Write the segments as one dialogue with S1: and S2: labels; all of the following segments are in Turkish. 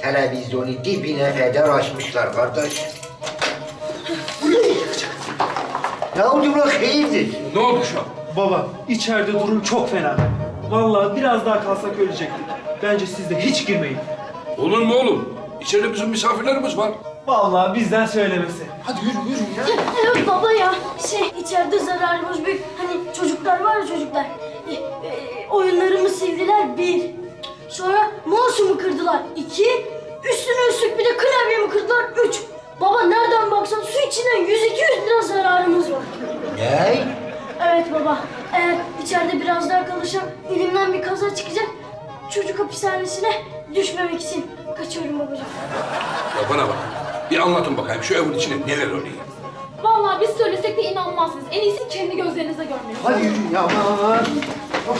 S1: televizyonu dibine kadar açmışlar kardeş. Bu ne yiyecek? Ne oldu ulan hayırdır?
S2: Ne oldu şu an?
S3: Baba, içeride durum çok fena. Vallahi biraz daha kalsak ölecektik. Bence siz de hiç girmeyin.
S2: Olur mu oğlum? İçeride bizim misafirlerimiz var.
S3: Vallahi bizden söylemesi.
S2: Hadi yürü ya.
S4: Evet baba ya, içeride zararımız büyük. Hani çocuklar var ya çocuklar. Oyunlarımı sildiler, 1. Sonra mouse'umu kırdılar, 2. Üstüne üstlük bir de klavyemi kırdılar, 3. Baba nereden baksan su içinden 100-200 lira zararımız var.
S1: Ne?
S4: Evet baba, eğer içeride biraz daha kalırsam elimden bir kaza çıkacak. Çocuk hapishanesine düşmemek için kaçıyorum babacığım.
S2: Ya bana bak. Bir anlatın bakayım şu evin içinde neler oluyor.
S5: Vallahi biz söylesek de inanmazsınız. En iyisi kendi gözlerinize görmeniz.
S1: Hadi yürü ya aman. Of.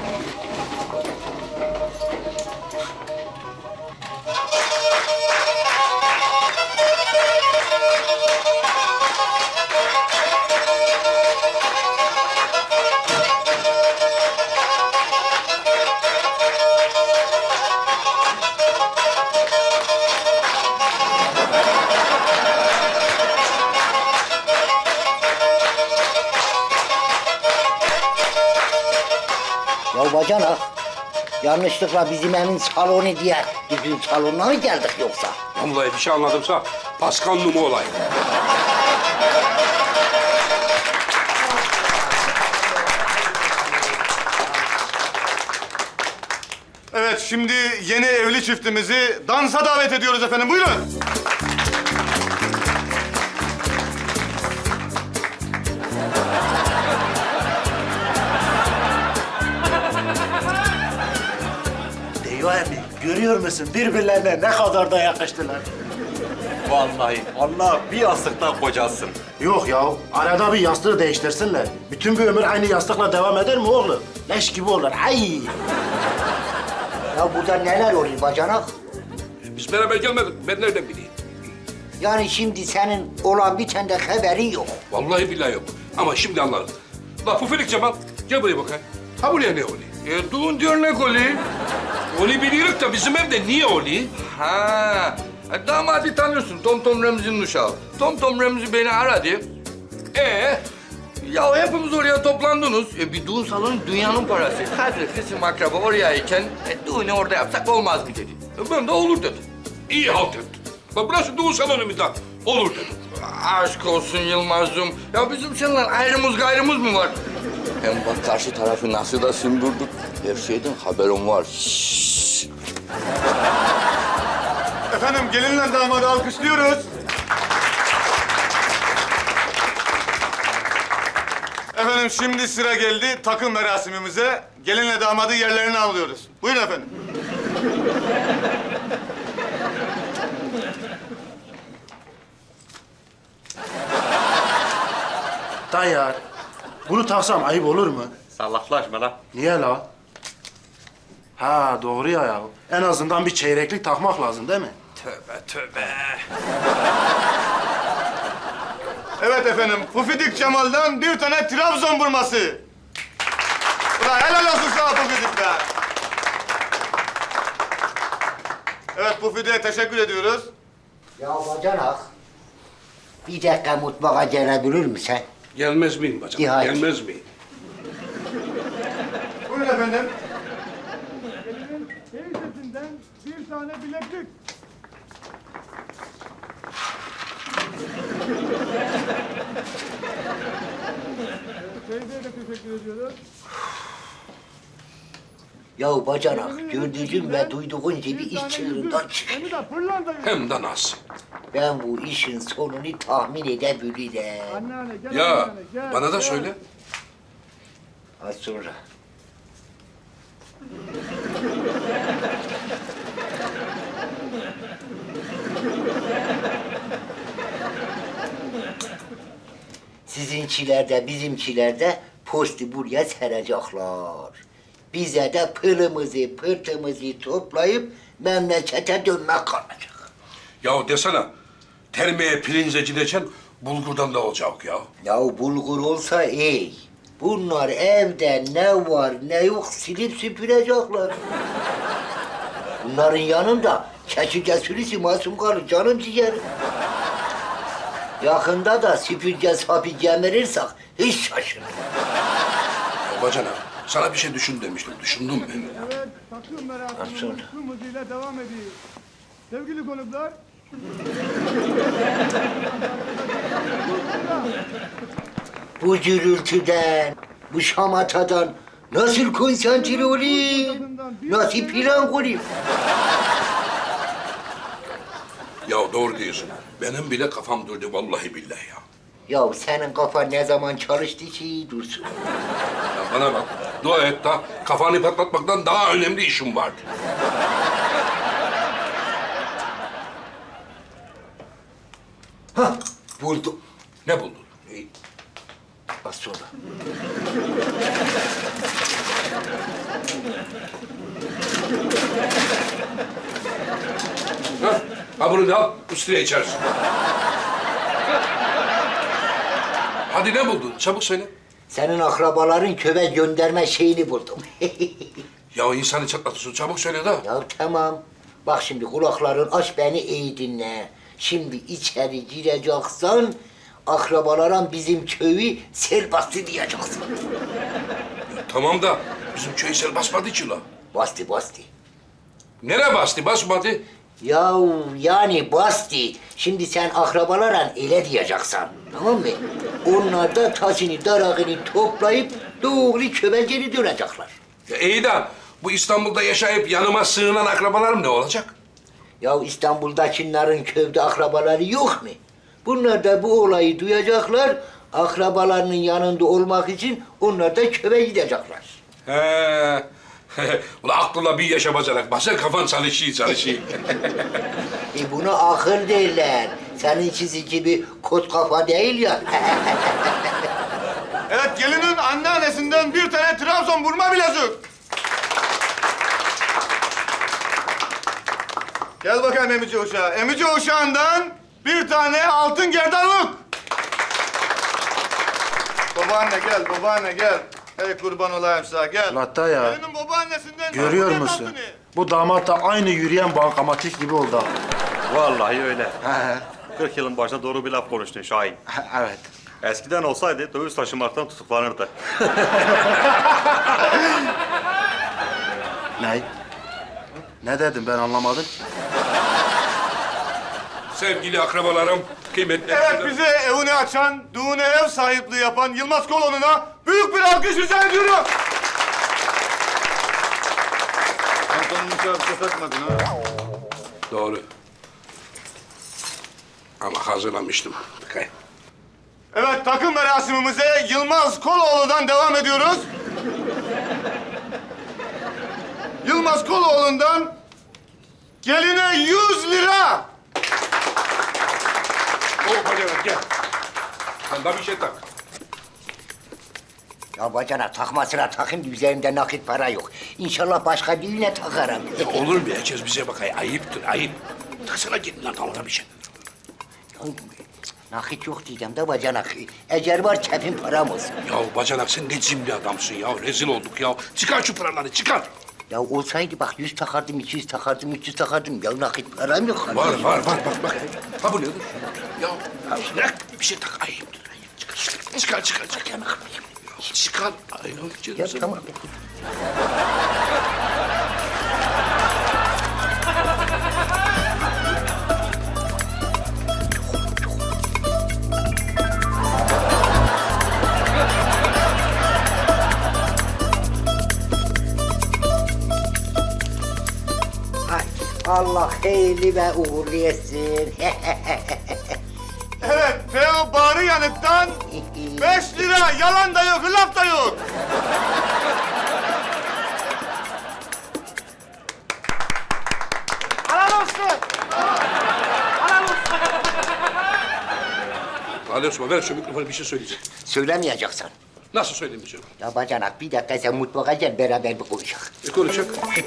S1: Ya bacanak, yanlışlıkla bizim evin salonu diye düzgün salonuna mı geldik yoksa?
S2: Vallahi bir şey anladımsa paskanlı olay.
S6: Evet, şimdi yeni evli çiftimizi dansa davet ediyoruz efendim. Buyurun.
S7: Eyvah emmi, görüyor musun birbirlerine ne kadar da yakıştılar.
S8: Vallahi Allah bir yastıktan kocasın.
S7: Yok ya, arada bir yastığı değiştirsinler. Bütün bir ömür aynı yastıkla devam eder mi oğlum? Leş gibi olur, ay!
S1: Ya burada neler oluyor bacanak?
S2: Biz beraber gelmedik. Ben nereden bileyim?
S1: Yani şimdi senin olan bitende haberi yok.
S2: Vallahi billahi yok. Ama şimdi anladım. La Pufilik Cemal, gel buraya bakayım. Ha buraya ne oluyor?
S8: Düğün dernek oluyor.
S2: Onu biliyoruz da bizim evde niye oluyor?
S8: Ha, damadı tanıyorsun. Tom Tom Remzi'nin uşağı. Tom Tom Remzi beni aradı. Ya hepimiz oraya toplandınız. Bir düğün salonu dünyanın parası. Hadi kızım akraba orayayken düğünü orada yapsak olmaz mı dedi. Ben de olur dedim.
S2: İyi halt ettin. Bak burası düğün salonumuzda. Olur dedim.
S8: Aşk olsun Yılmaz'cığım. Ya bizim seninle ayrımız gayrımız mı var? Hem bak karşı tarafı nasıl da sümbürdük. Her şeyden haberim var. Şşş.
S6: Efendim, gelinle damadı alkışlıyoruz. Efendim, şimdi sıra geldi takım merasimimize. Gelinle damadı yerlerine alıyoruz. Buyurun efendim.
S7: Tayyar, bunu taksam ayıp olur mu?
S8: Sallaklaşma lan.
S7: Niye la? Ha doğru ya. En azından bir çeyreklik takmak lazım değil mi?
S8: Tövbe tövbe.
S6: Evet efendim, Pufidik Cemal'dan bir tane Trabzon burması. Ulan helal olsun sana Pufidik be. Evet, Pufidik'e teşekkür ediyoruz.
S1: Ya bacanak, bir dakika mutfağa gelebilir misin?
S2: Gelmez miyim bacım?
S1: İyi, hadi.
S2: Gelmez miyim?
S6: Buyurun efendim.
S1: Ya bacanak, gördüğün ve duyduğun gibi iş çığırından çıkıyor.
S2: Hem de nasıl?
S1: Ben bu işin sonunu tahmin edebilirim.
S2: Ya bana da söyle.
S1: Az sonra. Sizinkiler de bizimkiler de postu buraya serecekler. Bize de pılımızı pırtımızı toplayıp memlekete dönmek kalacak.
S2: Ya desene, termeye pirince gideceksin, bulgurdan da olacak ya.
S1: Ya bulgur olsa iyi. Bunlar evde ne var ne yok silip süpürecekler. Bunların yanında Çekirge sürüsü masum kalır canım ciğerim. Yakında da süpürge sapı gemirirsek hiç şaşırma.
S2: Ya bacanak, sana bir şey düşün demiştim. Düşündün mü?
S6: Evet, takım merasimi tüm hızıyla devam ediyor. Sevgili konuklar,
S1: Bu gürültüden, bu şamatadan nasıl konsantre olayım? Nasıl plan kurayım?
S2: Ya doğru diyorsun. Benim bile kafam durdu vallahi billahi ya.
S1: Ya senin kafan ne zaman çalıştı ki dursun?
S2: Ya bana bak, dua et da kafanı patlatmaktan daha önemli işim vardı.
S1: Hah, buldum.
S2: Ne buldun?
S1: Az sonra.
S2: Ha bunu da al, üstüne içersin. Hadi ne buldun? Çabuk söyle.
S1: Senin akrabaların köve gönderme şeyini buldum.
S2: Ya insanı çatlatıyorsun, çabuk söyle da.
S1: Ya tamam. Bak şimdi kulakların aç beni iyi dinle. Şimdi içeri gireceksin, akrabalara bizim köyü sel bastı diyeceksin.
S2: Tamam da bizim köy sel basmadı ki la.
S1: Bastı bastı.
S2: Nereye bastı, basmadı?
S1: Yahu yani bastı. Şimdi sen akrabalara öyle diyeceksin. Tamam mı? Onlar da tasını darağını toplayıp doğru köye geri dönecekler.
S2: Ya iyi de bu İstanbul'da yaşayıp yanıma sığınan akrabalarım ne olacak?
S1: Ya İstanbul'dakilerin köyde akrabaları yok mu? Bunlar da bu olayı duyacaklar. Akrabalarının yanında olmak için onlar da köye gidecekler.
S2: He. Ulan aklına bir yaşa bacanak. Basar kafan çalışıyor.
S1: Buna akıl derler. Seninkisi gibi kot kafa değil ya.
S6: evet gelinin anneannesinden bir tane Trabzon burma bilezik. Gel bakayım emici uşağı. Emici uşağından bir tane altın gerdanlık. Babaanne gel, babaanne gel. Hey kurban olayım sana gel.
S7: Hatta ya,
S6: Gelinin babaannesinden
S7: görüyor
S6: altın
S7: musun?
S6: altını.
S7: Bu damat da aynı yürüyen bankamatik gibi oldu.
S9: Vallahi öyle. 40 yılın başına doğru bir laf konuştun Şahin.
S7: Evet.
S9: Eskiden olsaydı döviz taşımaktan tutuklanırdı.
S7: Ne? Ne dedim ben anlamadım.
S2: Sevgili akrabalarım, kıymetli...
S6: Evet bize evini açan, düğüne ev sahipliği yapan Yılmaz Koloğlu'na büyük bir alkış rica ediyorum. Pantolonunu çarpıp takmadın ha.
S2: Doğru. Ama hazırlamıştım. Bakayım.
S6: Evet takım merasimimize Yılmaz Koloğlu'dan devam ediyoruz. Yılmaz Koloğlu'ndan geline 100 lira.
S2: Hadi gel. Sen de bir şey tak.
S1: Ya bacana takmasına takayım da üzerimde nakit para yok. İnşallah başka düğüne takarım.
S2: Olur mu? Herkes bize bakay. Ayıptır, ayıp. Taksana gidin lan tamam bir şey.
S1: Ya, nakit yok diyeceğim de bacanak. Eğer var kefin param olsun.
S2: Ya bacanak sen ne cimri adamsın ya. Rezil olduk ya. Çıkar şu paraları, çıkar.
S1: Ya olsaydı bak 100 takardım, 200 takardım, 300 takardım. Ya nakit param yok.
S2: Var, bak. Ha bu nedir? Ya bırak bir şey tak. Ayıptır, ayıp. Çıkar. Çıkar. Ay,
S1: Ya tamam. Ay, Allah hayırlı ve uğurlu etsin.
S6: Evet Teo Bağrı Yanık'tan 5 lira yalan da yok, laf da yok.
S2: Ali Osman ver şu mikrofonu bir şey söyleyecek.
S1: Söylemeyeceksin.
S2: Nasıl söylemeyeceğim?
S1: Ya bacanak bir dakika sen mutfağa gel beraber bir konuşalım.
S2: Ne konuşacak?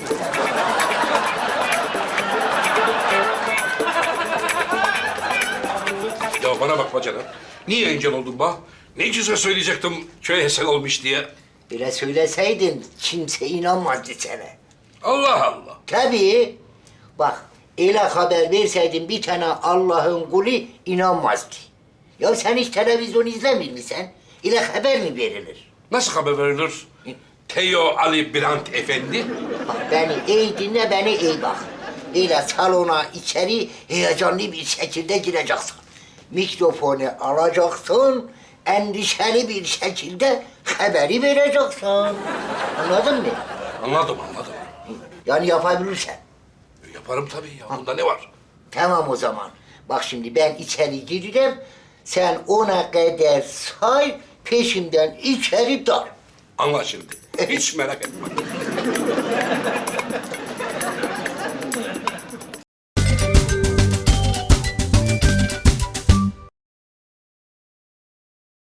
S2: Ya bana bak bacanak. Niye engel oldun bana? Ne güzel söyleyecektim köy hesel olmuş diye.
S1: Böyle söyleseydin kimse inanmazdı sana.
S2: Allah Allah.
S1: Tabii. Bak Öyle haber verseydin bir tane Allah'ın kulu inanmazdı. Ya sen hiç televizyon izlemiyor musun? Öyle haber mi verilir?
S2: Nasıl haber verilir? Teo Ali Birant Efendi.
S1: Bak beni iyi dinle, beni iyi bak. Öyle salona içeri heyecanlı bir şekilde gireceksin. Mikrofonu alacaksın, endişeli bir şekilde haberi vereceksin. Anladın mı?
S2: Anladım.
S1: Yani yapabilirsen.
S2: Yaparım tabii ya. Bunda ne var?
S1: Tamam o zaman. Bak şimdi ben içeri gireceğim. Sen 10'a kadar say, peşimden içeri dal.
S2: Anla şimdi. Hiç merak etme.